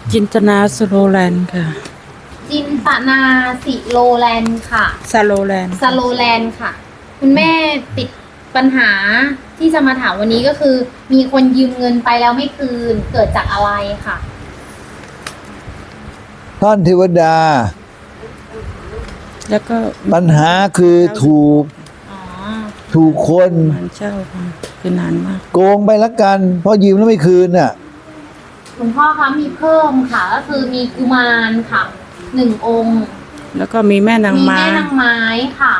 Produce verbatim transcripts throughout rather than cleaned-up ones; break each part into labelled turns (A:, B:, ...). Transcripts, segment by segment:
A: จินตนาสโลแลนด์ค่ะ
B: จินตนาสิโลแลนด์ค่ะ
A: สโลแลนด์
B: สโลแลนด์ค่ะ คุณแม่ติดปัญหาที่จะมาถามวันนี้ก็คือ มีคนยืมเงินไปแล้วไม่คืนเกิดจากอะไรค่ะ
C: ท่านเทวดา
A: แล้วก็
C: ปัญหาคือถูก
B: อ๋อ
C: ถูกคน
A: มันเช่าค่ะคือนานมาก
C: โกงไปละกัน เพราะยืมแล้วไม่คืนน่ะ
B: คุณพ่อคะมีเพิ่มค่ะ ก็คือมีกุมารค่ะหนึ่งองค์
A: แล้วก็มีแม่นาง
B: มี
A: ม้า
B: แม่นางไม้ค่ะ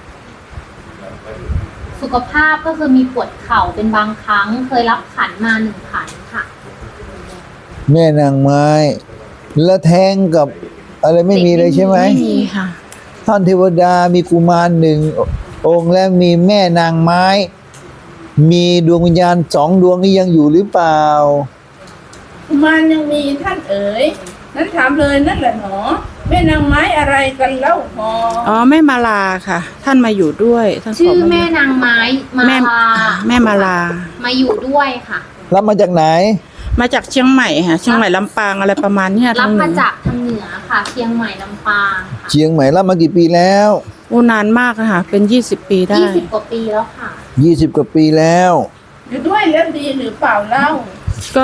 B: สุขภาพก็คือมีปวดเข่าเป็นบางครั้ง เคยรับขันมาหนึ่งขันค่ะ
C: แม่นางไม้ แล้วแทงกับอะไรไม่มีเลยใช่ไหม
A: ไม่มีค่ะ
C: ท่านเทวดามีกุมารหนึ่งองค์และมีแม่นางไม้ มีดวงวิญญาณสองดวงนี้ยังอยู่หรือเปล่า
D: กุมารยังมีท่านเอ๋ยนั้นถามเลยนั่นแหละหนอแม่นางไม้อะไรกันเล่าพอ
A: อ๋อแม่มาลาค่ะ ท่านมาอยู่ด้วยท่านข
B: ชื่อ
A: มายู่
B: แม่นางไม้มา
A: แม่
B: ลา
A: แม่มาลา
B: มาอยู่ด้วยค่ะ
C: รับมาจากไหน
A: มาจากเชียงใหม่ค่ะเชียงใหม่ลำปางอะไรประมาณเนี้ย
B: รั
A: ทา
B: บ
A: งเห
B: มา
A: นือ
B: จากทางเหนือค่ะ เชียงใหม่ลำปางค่ะ
C: เชียงใหม่รับมากี่ปีแล้ว
A: โอ้นานมากอะค่ะ เป็นยี่สิบปีได้
B: ยี่สิบกว่าปีแล้วค่ะ
C: ยี่สิบกว่าปีแล้ว
D: อยู่ด้วยแล้วดีหรือเปล่าเล่า
A: ก็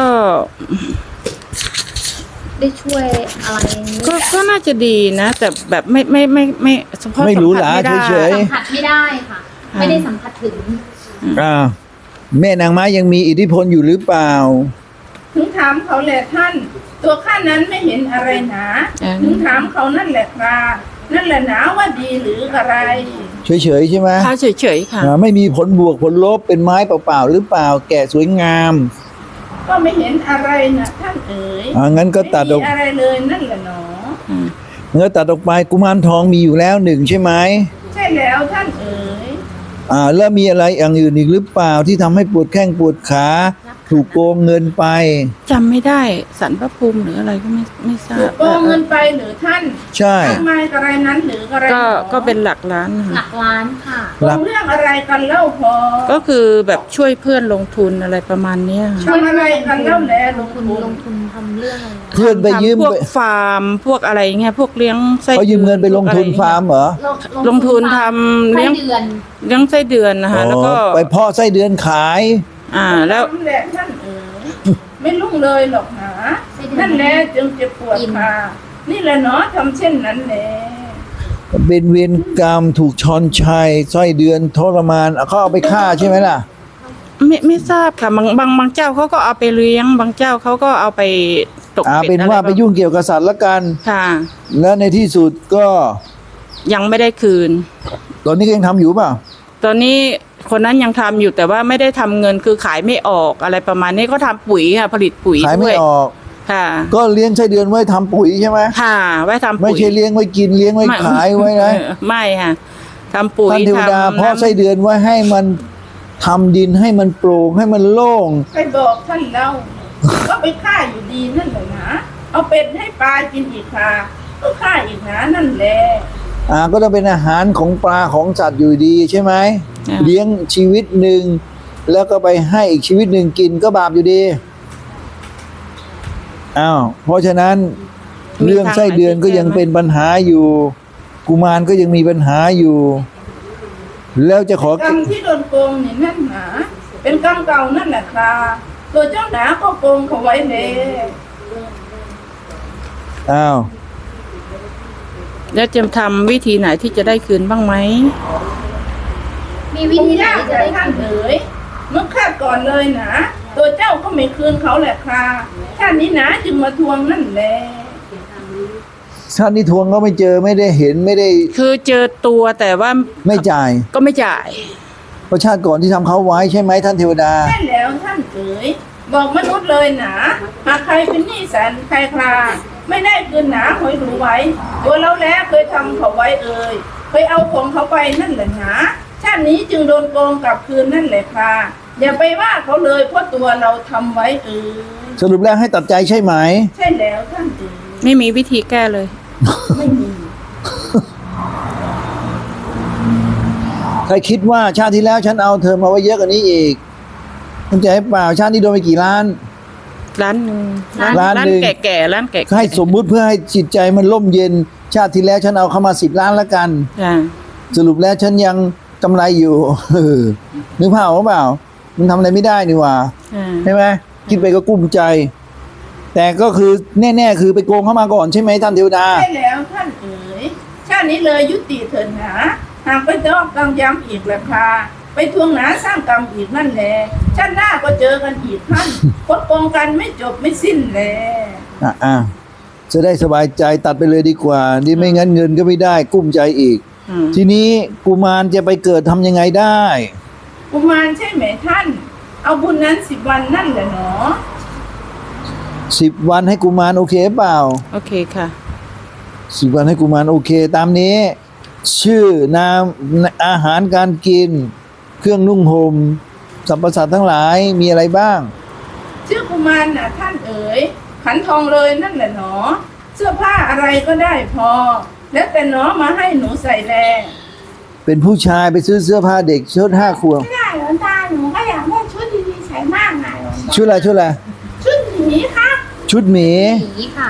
B: ได้ช่วยอะไร
A: ก็ก็น่าจะดีนะ แต่แบบไม่ไม่ไม่ไม่เฉพาะ
C: ไม่
A: สั
C: รู้
A: ผัส
C: หลา
A: ไม่ได้
C: เฉย
B: สัมผัสไม่ได้ค่ะ
A: อ่า
B: ไม่ได้สัมผัสถึง
C: อ่าแม่นางไม้ยังมีอิทธิพลอยู่หรือเปล่า
D: ถึงถามเขาแหละท่าน ตัวข้านั้นไม่เห็นอะไรหนาถึงถามเขานั่นแหละครับนั่นแหละหนาว่าดีหรืออะไร
C: เฉยๆใช่ไหม
A: ค่ะเฉยๆค่ะ
C: อ่าไม่มีผลบวกผลลบเป็นไม้เปล่าๆหรือเปล่า แก่สวยงาม
D: ก็ไม่เห็นอะไรนะท่านเอ๋ย
C: อ่างั้นก็ตัดอ
D: ไม่
C: อก
D: มีอะไรเลยนั่นแหละหนอ
C: เนื้อตัดออกไปกุมารทองมีอยู่แล้วหนึ่งใช่ไหม
D: ใช่แล้วท่านเอ๋ย
C: อ่าแล้วมีอะไรอย่างอื่นอีกหรือเปล่าที่ทำให้ปวดแข้งปวดขาถูกโกงเงินไป
A: จำไม่ได้สันพระภูมิหรืออะไรก็ไม่ไม่ทรา
D: ถู
A: บ
D: กโกงเงินไปหรือท่าน
C: ใช่
D: ทำไมอะไรนั้นหรืออะไร
A: ก็
D: หนอ
A: ก็เป็นหลักล้าน
B: หลั
A: ค่ะ
B: กล้านค่ะ
D: โกงเรื่องอะไรกันเล่าพอ
A: ก็คือแบบช่วยเพื่อนลงทุนอะไรประมาณเนี้ยค่ะ
D: ทำอะไรกันเล่าแลล
B: ล
D: ง
B: ง
D: ทุ
B: ทุ
D: น
B: นลงทุนทำเรื่องอะไร
C: เพื่อนไปยืม
A: ทำพวก
C: ไป
A: ฟาร์มพวกอะไรเงี้ยพวกเลี้ยงไส้
C: เขายืมเงินไปลงทุนฟาร์มเหรอ
A: ลงทุนทำ
B: ไส้
A: เลี้ยง
B: เดือน
A: เลี้ยงไส้เดือนนะคะแล้วก็
C: อ๋อไปเพาะไส้เดือนขาย
A: อ่าแล้ว
D: นั่นแหละท่านเอ๋ยไม่ลุ่งเลยหรอกหนานั่นแหละจึงเจ็บปวดค่ะนี่แหละเนาะทำเช่นนั้นแหละ
C: เป็นเวรกรรมถูกชอนชัยไส้เดือนทรมานเอาเขาเอาไปฆ่าใช่ไหมล่ะ
A: ไม่ไม่ทราบค่ะบางบางบางเจ้าเขาก็เอาไปเลี้ยง บางเจ้าเขาก็เอาไปตก
C: อ่า
A: เป็
C: เป็
A: ด
C: น
A: อะไร
C: ว่าไปยุ่งเกี่ยวกับสัตว์ละกัน
A: ค่ะ
C: แล้วในที่สุดก็
A: ยังไม่ได้คืน
C: ตอนนี้ก็ยังทำอยู่เปล่า
A: ตอนนี้คนนั้นยังทำอยู่แต่ว่าไม่ได้ทำเงินคือขายไม่ออกอะไรประมาณนี้ก็ทำปุ๋ยค่ะ ผลิตปุ๋ย
C: ขายไม่
A: ด้วย
C: ออก
A: ค่ะ
C: ก็เลี้ยงไส้เดือนไว้ทำปุ๋ยใช่ไหม
A: ค่ะไว้ทำปุ๋ย
C: ไม่ใช่เลี้ยงไว้กินเลี้ยงไว้ขายไว้นะ
A: เออไม่ค่ะทำปุ๋ย
C: ท่านเทวดา
A: ทำ
C: เพาะไส้เดือนไว้ให้มันทำดินให้มันโปร่งให้มันโล่ง
D: ไปบอกท่านเล่า ก็ไปฆ่าอยู่ดีนั่นแหละนะเอาเป็ดให้ปลากินอีกค่ะก็ฆ่าอีกนะนั่นแหละ
C: อ่าก็ต้องเป็นอาหารของปลาของสัตว์อยู่ดีใช่ไหม
A: อ่า
C: เลี้ยงชีวิตหนึ่งแล้วก็ไปให้อีกชีวิตหนึ่งกินก็บาปอยู่ดีอ้าวเพราะฉะนั้นเรื่องไส้เดือนก็ยังเป็นปัญหาอยู่ กุมารก็ยังมีปัญหาอยู่ แล้วจะขอก
D: รรมที่โดนโกงนี่นั่นหนาเป็นกรรมเก่านั่นแหละครับตัวเจ้าหนาก็โกงเขาไว้เลย
C: อ้าว
A: แล้วจะทำวิธีไหนที่จะได้คืนบ้างไหม
B: มีวิ
D: คง
B: ธีไหน
D: ยาก
B: จะ
D: แต่
B: ได้
D: ท่าน
B: คืน
D: เอ๋ยเมื่อฆ่าก่อนเลยนะตัวเจ้าก็ไม่คืนเขาแหละครับชาตินี้นะจึงมาทวงนั่นแหละ
C: ชาตินี้ทวงก็ไม่เจอไม่ได้เห็นไม่ได้
A: คือเจอตัวแต่ว่า
C: ไม่จ่าย
A: ก็ไม่จ่าย
C: เพราะชาติก่อนที่ทำเขาไว้ใช่ไหมท่านเทวดา
D: ใช่แล้วท่านเอ๋ยบอกมนุษย์เลยนะหากใครเป็นหนี้แสนใครคลาไม่ได้คืนหนาหอยดูไว้ ตัวเราแล้วเคยทำเขาไว้เอ่ยเคยเอาของเขาไปนั่นแหละนะชาตินี้จึงโดนโกงกลับคืนนั่นแหละค่ะอย่าไปว่าเขาเลยเพราะตัวเราทำไว้เอ่ย
C: สรุปแล้วให้ตัดใจใช่ไหม
D: ใช่แล้วท่านเอ๋ย
A: ไม่มีวิธีแก้เลย
D: ไม่มี
C: ใครคิดว่าชาติที่แล้วฉันเอาเธอมาไว้เยอะกว่านี้อีกคุณจะให้เปล่าชาตินี้โดนไปกี่ล้าน
A: ร้านหนึ่ง
C: ร้านหนึ่ง
A: แก่ๆร้านแก่ๆ
C: ให้สมมุติเพื่อให้จิตใจมันร่มเย็น ชาติที่แล้วฉันเอาเข้ามาสิบล้านแล้วกัน
A: จ้ะ
C: สรุปแล้วฉันยังกำไรอยู่ นึกภาพออกเปล่ามันทำอะไรไม่ได้นี่หว่า
A: อ่า
C: ใช่ไหมคิดไปก็กุ้มใจ แต่ก็คือแน่ๆคือไปโกงเข้ามาก่อนใช่ไหมท่านเทวดา
D: ใช่แล้วท่านเอ๋ยชาตินี้เลยยุติเถิดหนาหากไปจอกกำย้ำอีกแหละค่ะไปทวงหนาสร้างกรรมอีกนั่นแหละชาติหน้าก็เจอกันอีกท่านคดโกงกันไม่จบไม่สิ้นแล
C: อ่ะอ่ะจะได้สบายใจตัดไปเลยดีกว่านี่ไม่งั้นเงินก็ไม่ได้กุ้มใจอีก
A: อืม
C: ทีนี้กุมารจะไปเกิดทำยังไงได้
D: กุมารใช่ไหมท่าน เอาบุญนั้นสิบวันนั่นแหละเนาะ
C: สิบวันให้กุมารโอเคเปล่า
A: โอเคค่ะ
C: สิบวันให้กุมารโอเค ตามนี้ ชื่อนามอาหารการกิน เครื่องนุ่งห่มสรรพสัตว์ทั้งหลายมีอะไรบ้าง
D: ชื่อกุมารน่ะท่านเอ๋ยขันทองเลยนั่นแหละเนาะเสื้อผ้าอะไรก็ได้พอ แล้วแต่เนาะมาให้หนูใส่แล
C: เป็นผู้ชายไปซื้อเสื้อผ้าเด็กชุดห้าขวบ
D: ไม่ได้หลวงตาหนูก็อยากได้ชุดดีๆใส่มากนะหลวงตา
C: ชุดอะไรชุดอะไร
D: ชุดหมีครับ
C: ชุดหมี
B: หมีค่ะ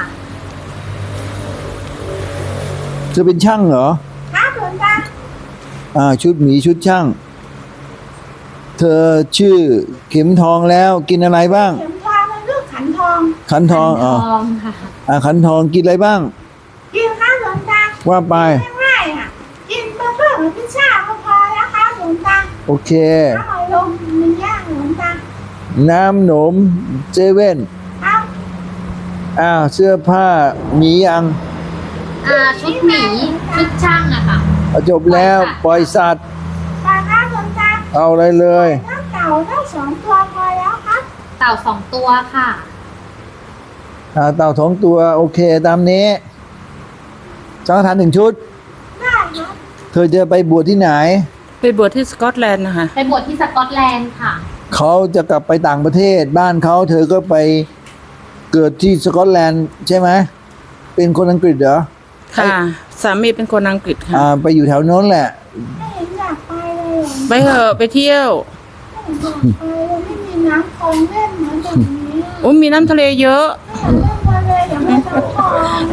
C: เธอเป็นช่างเหรอ
D: ครับหลวงตา
C: อ่าชุดหมีชุดช่าง เธอชื่อเข็มทองแล้วกินอะไรบ้าง
D: เข็มทองมันลูกขันทอง
C: ขันทองอ๋อ
B: ทองค่ะ
C: อ่าขันทองกินอะไรบ้าง
D: กินข้าวหลวงตา
C: ว่าไป
D: ง่ายๆอ่ะกินเบอร์เกอร์หรือพิซซ่าก็พอแล้วครับหลวงตา
C: โอเค
D: อร่อยลงมันย่างหลวงตา
C: น้ำหนมเจเว่น
D: ครับ
C: อ้าวเสื้อผ้ามียัง
B: อ่าชุดหมีชุดช่างอะค่ะ
C: เอาจบแล้วปล่อยสัตว์
D: ปลาครับหลวงตา
C: เอาอะไรเลย
D: น้ำเต่าทั้งสองตัวพอแล้วครับ
B: เต่าสองตัวค่ะ
C: อ่าเต่าสองตัวโอเคตามนี้สังฆทานหนึ่งชุด
D: ได้ครับ
C: เธอจะไปบวชที่ไหน
A: ไปบวชที่สกอตแลนด์นะคะ
B: ไปบวชที่สกอตแลนด์ค่ะ
C: เขาจะกลับไปต่างประเทศบ้านเขาเธอก็ไปเกิดที่สกอตแลนด์ใช่ไหมเป็นคนอังกฤษเหรอ
A: ค่ะ สามีเป็นคนอังกฤษค่ะ
C: อ่าไปอยู่แถวโน้นแหละ
D: ไม่เห็นอยากไปเลยหลวง
A: ไปเถอะไปเที่ยว
D: ไม่เห็นอยากไปเลยไม่มีน้ำคลองเล่นเหมือนแบบนี้อะ
A: โอ้มีน้ำทะเลเยอะ
D: ไม่เห็นเล่นมาเลยอย่างไม่น้ำคลอง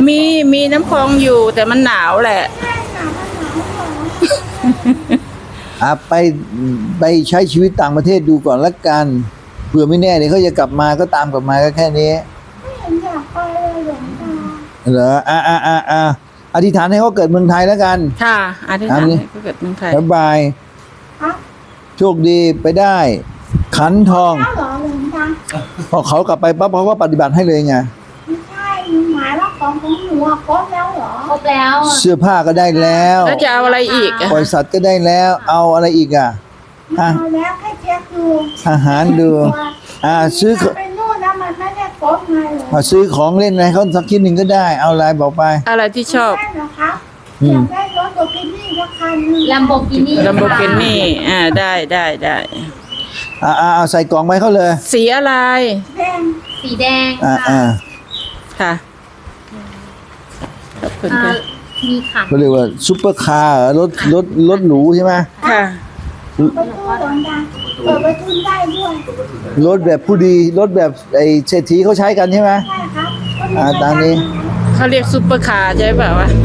A: มีมีน้ำคลองอยู่แต่มันหนาวแหละ
D: แม่หนาวมันหนาวเหรอ
C: อ่ะไปไปใช้ชีวิตต่างประเทศดูก่อนละกันเผื่อไม่แน่เดี๋ยวเขาจะกลับมาก็ตามกลับมาก็แค่นี้
D: ไม่เห็นอยากไปเลยหลวงตา
C: เหรออ่าอ่าอ่าอ่าอธิษฐานให้เขาเกิดเมืองไทยแล้วกัน
A: ค่ะอธิษฐาน
C: อันนี้
A: ให้เกิดเมืองไทย
C: บ๊ายบาย
D: ครับ
C: โชคดีไปได้ ขันทอง
D: แล้วเหรอหลวงตา
C: พอเขากลับไปปั๊บเขาก็ปฏิบัติให้เลยไง
D: ไม่ใช่หมายว่าของของหนูอะครบแล้วเหรอ
B: ครบแล้ว
C: เสื้อผ้าก็ได้แล้ว
A: แล้วจะเอาอะไรอีกอะ
C: ปล่อยสัตว์ก็ได้แล้ว เอาอะไรอีกอ่ะ
D: ไม่เอาแล้วแค่เช็คดู
C: อาหารดู อ่าซื้อ
D: ถ้าไปนู่นแล้วมันไม่ได้ครบไงเหรอ
C: เอาซื้อของเล่นอะไรเขาสักชิ้นหนึ่งก็ได้ เอาอะไรบอกไป
A: อะไรที่ชอบ
D: ได้เหรอครับ
C: อื
D: อยาม กได้รถโบกินี่สักคันหนึง
B: ลัมโบกินี่
A: ลัมโบกินี่อ่าได้ได้ได้
C: อ่าอ่าเอาใส่กล่องไว้เขาเลย
A: สีอะไร
D: แดง
B: สีแดง
C: อ่า
B: ค่ะ
C: อ่า
A: ค่ะขอบคุณ
B: อ่า
A: ค่ะ
B: มีขัน
C: เขาเรียกว่าซุปเปอร์คาร์เหรอรถรถรถหรูใช่ไหม
A: ค่ะ
D: ประตูหลวงตาเปิดประตูได้ด้วย
C: รถแบบผู้ดีรถแบบไอ้เศรษฐีเขาใช้กันใช่ไหม
D: ใช่ครับ
C: อ่าตามนี้
A: เขาเรียกซุปเปอร์คาร์ใช่เปล่าวะ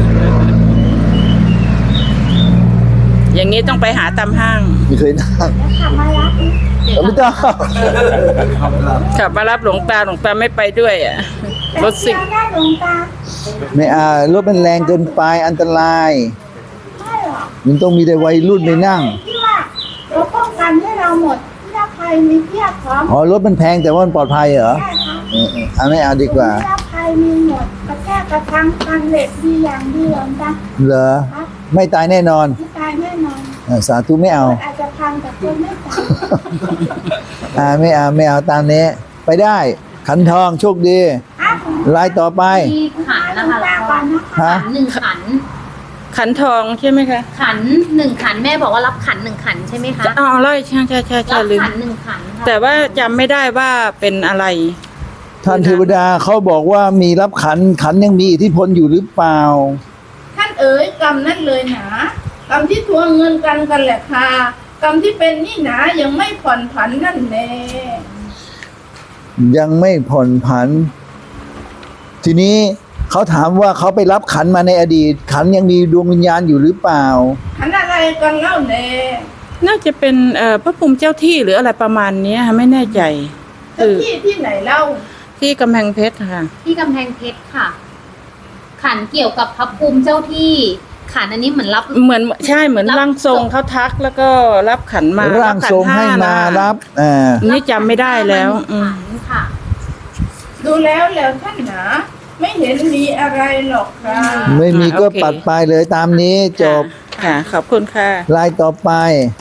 A: อย่างนี้ต้องไปหาตามห้าง
C: ไม่เคยนั่ง
D: แล้วขับมารับ
C: เอาไม่ต้อง
A: ขับมารับหลวงตาหลวงตาไม่ไปด้วยอ่ะรถสิ
D: แต่เดียวได้หลวงตา
C: ไม่อ่ารถมันแรงเกินไปอันตราย
D: ไม่หรอก
C: มันต้องมีแต่วัยรุ่นไปนั่ง
D: ที่ว่าเราป้องกันให้เราหมดที่ถ้าใครมีเทียบพร้อม
C: อ๋อรถมันแพงแต่ว่ามันปลอดภัยเหรอ
D: ใช่ครับ
C: เออเออเอาไม่เอาดีกว่า
D: ที่ถ้าใครมีหมดกระแทกกระทังกันเหล็กดีอย่างดีหลวงตา
C: เหรอ
D: ครับ
C: ไม่ตายแน่นอน
D: ไม่ตายแน่นอน
C: อ่าสาธุไม่เอา
D: อาจจะพังแต่คนไม่ตาย
C: อ่าไม่เอาไม่เอาตามนี้ ไปได้ ขันทองโชคดี
D: ครับ
C: ลายต่อไป
B: มีขันนะคะ
D: ตา
B: แล้ว
D: ก่
B: ก็
D: อนนะคะ
C: ฮะ
B: ขันหนึ่งขัน
A: ขันทองใช่ไหมคะ
B: ขันหนึ่งขันแม่บอกว่ารับขันหนึ่งขันใช่ไหมคะ
A: อ๋อเลยใช่ใช่ใช่ใช่
B: รับ
A: ลืม
B: ขันหนึ่งขันค่ะ
A: แต่ว่าจำไม่ได้ว่าเป็นอะไร
C: ท่านเทวดาเขาบอกว่ามีรับขันขันยังมีอิทธิพลอยู่หรือเปล่า
D: ท่านเอ๋ยกรรมนั่นเลยหนากรรมที่ทวงเงินกันกันแหละค่ะกรรมที่เป็นนี่หนายังไม่ผ่อนผันนั่นแน่
C: ยังไม่ผ่อนผัน ทีนี้เขาถามว่าเขาไปรับขันมาในอดีต ขันยังมีดวงวิญญาณอยู่หรือเปล่า
D: ขันอะไรกันเล่าแน่
A: น่าจะเป็นเอ่อพระภูมิเจ้าที่หรืออะไรประมาณเนี้ยค่ะไม่แน่ใจ
D: เจ้าที่ที่ไหนเล่า
A: ที่กำแพงเพชรค่ะ
B: ที่กำแพงเพชรค่ะ ขันเกี่ยวกับพระภูมิเจ้าที่ ขันอันนี้เหมือนรับ
A: เหมือนใช่เหมือน
B: รับ
A: ร่างทรงเขาทักแล้วก็รับขันมา
C: ร่างทรงให้มารับอ่า
A: นี่จำไม่ได้แล้วอืม
B: ขันค่ะ
D: ดูแล้วแล้วท่านหนาไม่เห็นมีอะไรหรอกค่ะ
C: ไม่มีก็ปัดไปเลยตามนี้จบ
A: ค่ะ ขอบคุณค่ะ
C: ลายต่อไป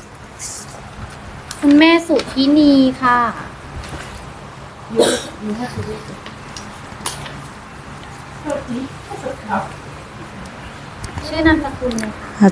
B: คุณแม่สุธินีค่ะ ชื่อนามสกุลเลยค่ะ